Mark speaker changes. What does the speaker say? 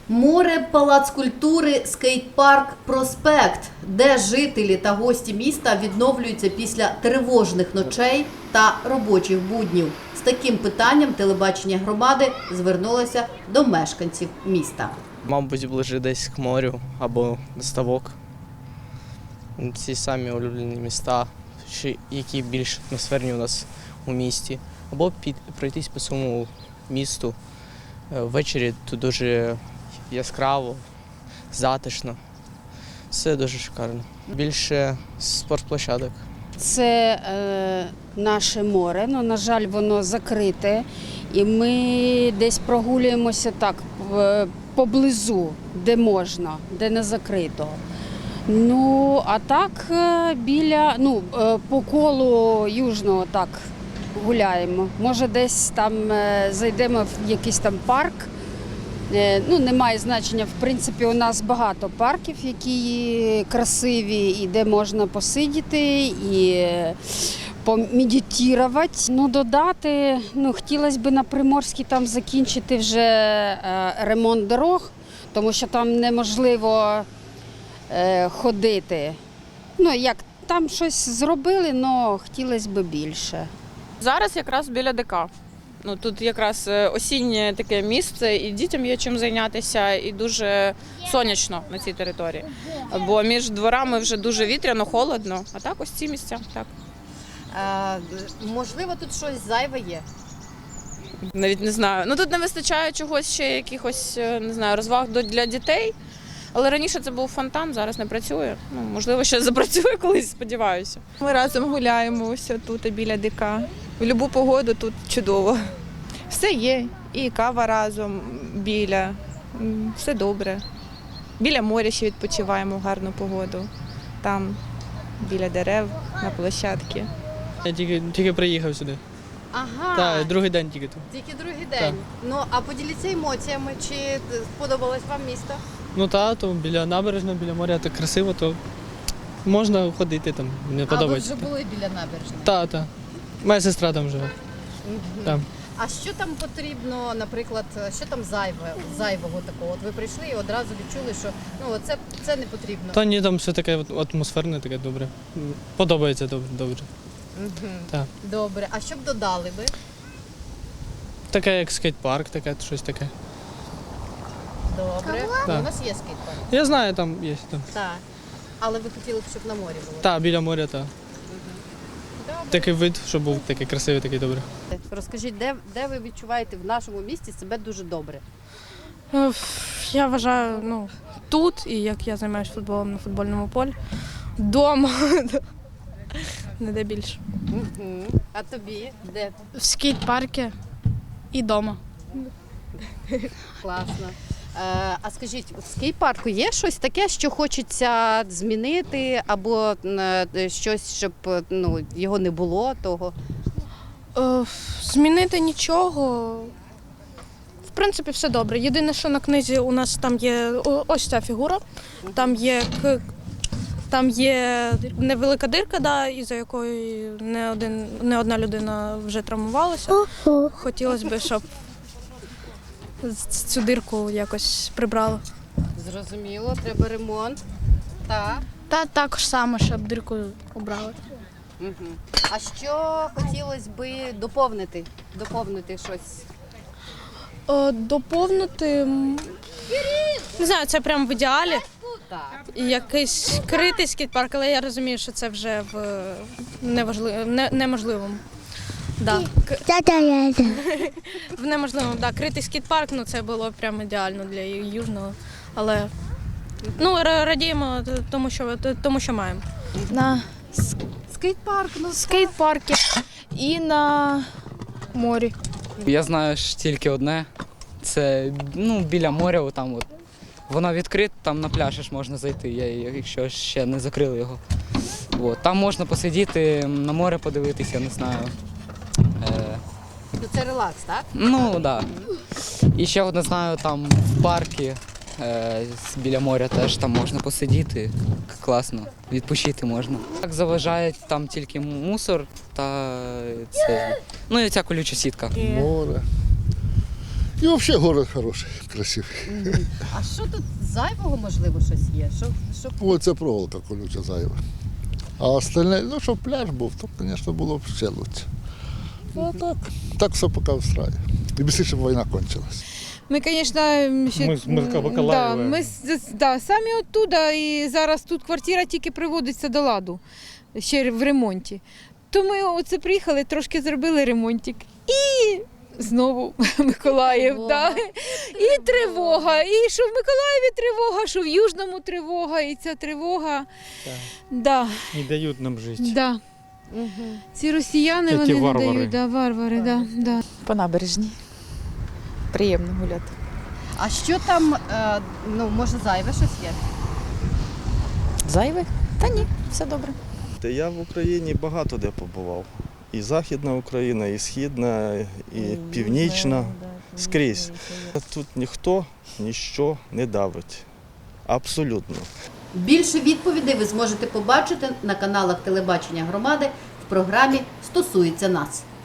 Speaker 1: Море, палац культури, скейт-парк, проспект, де жителі та гості міста відновлюються після тривожних ночей та робочих буднів. З таким питанням телебачення громади звернулося до мешканців міста.
Speaker 2: Мабуть, ближче десь к морю або до ставок. Ці самі улюблені міста, які більш атмосферні у нас у місті. Або пройтись по цьому місту. Ввечері тут дуже яскраво, затишно. Все дуже шикарно. Більше спортплощадок.
Speaker 3: Це наше море, але, на жаль, воно закрите. І ми десь прогулюємося так поблизу, де можна, де не закрито. Ну, а так по колу Южного так гуляємо. Може, десь там зайдемо в якийсь там парк. Немає значення, в принципі, у нас багато парків, які красиві, і де можна посидіти, і помедитувати. Додати, хотілося б на Приморській там закінчити вже ремонт дорог, тому що там неможливо ходити. Як там щось зробили, але хотілося б більше.
Speaker 4: Зараз якраз біля ДК. Тут якраз осіннє таке місце, і дітям є чим зайнятися, і дуже сонячно на цій території. Бо між дворами вже дуже вітряно, холодно, а так ось ці місця. Так.
Speaker 1: Можливо, тут щось зайве є?
Speaker 4: Навіть не знаю. Тут не вистачає чогось ще, якихось, не знаю, розваг для дітей. Але раніше це був фонтан, зараз не працює. Можливо, ще запрацює колись, сподіваюся.
Speaker 5: Ми разом гуляємо ось тут біля ДК. В будь-яку погоду тут чудово. Все є. І кава разом біля. Все добре. Біля моря ще відпочиваємо в гарну погоду. Там, біля дерев, на площадці.
Speaker 6: Я тільки приїхав сюди.
Speaker 1: Ага,
Speaker 6: Так, другий день тільки тут.
Speaker 1: тільки другий день. А поділіться емоціями, чи сподобалось вам місто?
Speaker 6: То біля набережної, біля моря так красиво, то можна ходити там, мені подобається.
Speaker 1: А ви вже були біля набережної?
Speaker 6: Так. Моя сестра там живе. Там.
Speaker 1: А що там потрібно, наприклад, що там зайвого такого? От ви прийшли і одразу відчули, що це не потрібно.
Speaker 6: Та ні, там все таке атмосферне, таке добре. Подобається добре. Так.
Speaker 1: Добре. А що б додали ви?
Speaker 6: Таке як скейт-парк, таке, щось таке.
Speaker 1: Добре.
Speaker 6: Так.
Speaker 1: У нас є скейт-парк.
Speaker 6: Я знаю, там є. Там.
Speaker 1: Так. Але ви хотіли б, щоб на морі було?
Speaker 6: Так, біля моря, так. Такий вид, щоб був такий красивий, такий добрий.
Speaker 1: Розкажіть, де ви відчуваєте в нашому місті себе дуже добре?
Speaker 7: Я вважаю, тут, і як я займаюся футболом на футбольному полі, вдома, не де більше.
Speaker 1: А тобі? Де?
Speaker 7: В скейт-парку і вдома.
Speaker 1: Класно. А скажіть, в скейт-парку є щось таке, що хочеться змінити, або щось, щоб його не було того?
Speaker 7: Змінити нічого. В принципі, все добре. Єдине, що на книзі у нас там є ось ця фігура, там є невелика дирка, із-за якої не одна людина вже травмувалася. Хотілося б, щоб цю дирку якось прибрали.
Speaker 1: Зрозуміло, треба ремонт. Так.
Speaker 7: Та також саме, щоб дирку обрали.
Speaker 1: А що хотілося б доповнити? Доповнити щось?
Speaker 7: Доповнити, не знаю, це прямо в ідеалі.
Speaker 1: Так.
Speaker 7: Якийсь критий скейт-парк, але я розумію, що це вже в неможливому. Да. В неможливому, критий скейт-парк, це було прямо ідеально для Южного. Але радіємо тому, що маємо.
Speaker 8: На
Speaker 1: Скейт-парк,
Speaker 8: скейт-парку і на морі.
Speaker 9: Я знаю ж тільки одне. Це біля моря, там воно відкрите, там на пляж ж можна зайти, якщо ще не закрили його. Там можна посидіти, на море подивитися, я не знаю.
Speaker 1: Це релакс, так?
Speaker 9: Так. І ще одне знаю, там в парку біля моря теж там можна посидіти, класно, відпочити можна. Так заважає там тільки мусор та і ця колюча сітка.
Speaker 10: Море. І взагалі город хороший, красивий.
Speaker 1: А що тут зайвого, можливо, щось є? Що...
Speaker 10: Оце проволока колюча зайва. А остальне, ну, щоб пляж був, то, звісно, було б ще краще. Ну, так все поки встраює. І більше, щоб війна кончилась.
Speaker 11: Ми, звісно,
Speaker 6: Ми з Миколаєва.
Speaker 11: ми самі оттуда, і зараз тут квартира тільки приводиться до ладу, ще в ремонті. То ми оце приїхали, трошки зробили ремонтик. І знову Миколаїв. Да. І тривога. І що в Миколаєві тривога, що в Южному тривога, і ця тривога. Да.
Speaker 6: Не дають нам жити.
Speaker 11: Да. Ці росіяни,
Speaker 6: Ті
Speaker 11: вони
Speaker 6: варвари.
Speaker 11: не дають, да, варвари. Да.
Speaker 5: По набережній. Приємно гуляти.
Speaker 1: А що там, може, зайве щось є?
Speaker 5: Зайве? Та ні, все добре.
Speaker 12: Я в Україні багато де побував. І Західна Україна, і Східна, і Північна. Скрізь. Тут ніхто ніщо не давить. Абсолютно.
Speaker 1: Більше відповідей ви зможете побачити на каналах телебачення громади в програмі «Стосується нас».